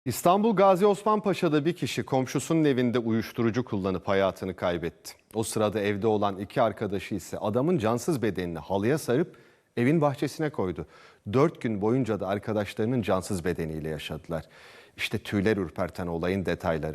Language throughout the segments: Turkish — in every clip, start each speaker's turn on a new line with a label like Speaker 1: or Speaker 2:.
Speaker 1: İstanbul Gazi Osman Paşa'da bir kişi komşusunun evinde uyuşturucu kullanıp hayatını kaybetti. O sırada evde olan iki arkadaşı ise adamın cansız bedenini halıya sarıp evin bahçesine koydu. 4 gün boyunca da arkadaşlarının cansız bedeniyle yaşadılar. İşte tüyler ürperten olayın detayları.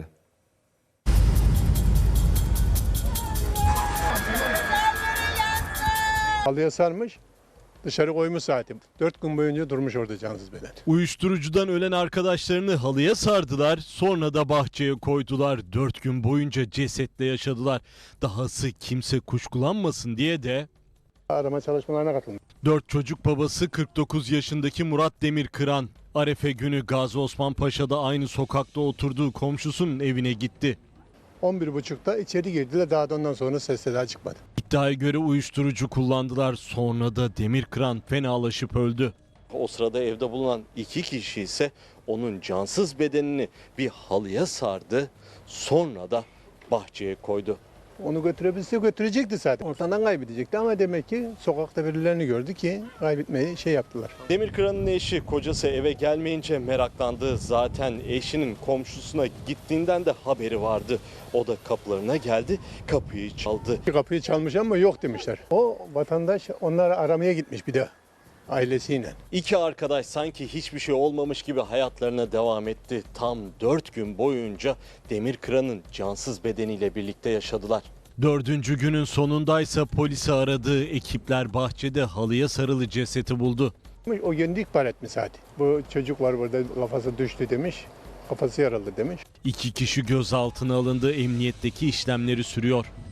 Speaker 2: Halıya sarmış, dışarı koymuş zaten. 4 gün boyunca durmuş orada cansız beden.
Speaker 3: Uyuşturucudan ölen arkadaşlarını halıya sardılar, sonra da bahçeye koydular. 4 gün boyunca cesetle yaşadılar. Dahası kimse kuşkulanmasın diye de
Speaker 2: Arama çalışmalarına katılmış.
Speaker 3: 4 çocuk babası 49 yaşındaki Murat Demirkıran, Arefe günü Gazi Osman Paşa'da aynı sokakta oturduğu komşusunun evine gitti.
Speaker 2: 11.30'da içeri girdiler, daha da ondan sonra ses seda çıkmadı.
Speaker 3: İddiaya göre uyuşturucu kullandılar, sonra da Demirkıran fenalaşıp öldü.
Speaker 4: O sırada evde bulunan iki kişi ise onun cansız bedenini bir halıya sardı, sonra da bahçeye koydu.
Speaker 2: Onu götürebilse götürecekti zaten. Ortadan kaybedecekti ama demek ki sokakta birilerini gördü ki kaybetmeyi yaptılar.
Speaker 4: Demirkıran'ın eşi kocası eve gelmeyince meraklandı. Zaten eşinin komşusuna gittiğinden de haberi vardı. O da kapılarına geldi, kapıyı çaldı.
Speaker 2: Kapıyı çalmış ama yok demişler. O vatandaş onları aramaya gitmiş bir de ailesiyle.
Speaker 4: İki arkadaş sanki hiçbir şey olmamış gibi hayatlarına devam etti. Tam 4 gün boyunca Demirkıran'ın cansız bedeniyle birlikte yaşadılar.
Speaker 3: 4. günün sonundaysa polisi aradığı ekipler bahçede halıya sarılı cesedi buldu.
Speaker 2: O kendi ihbar etmiş zaten. Bu çocuk var burada, kafası düştü demiş. Kafası yaralı demiş.
Speaker 3: 2 kişi gözaltına alındı, emniyetteki işlemleri sürüyor.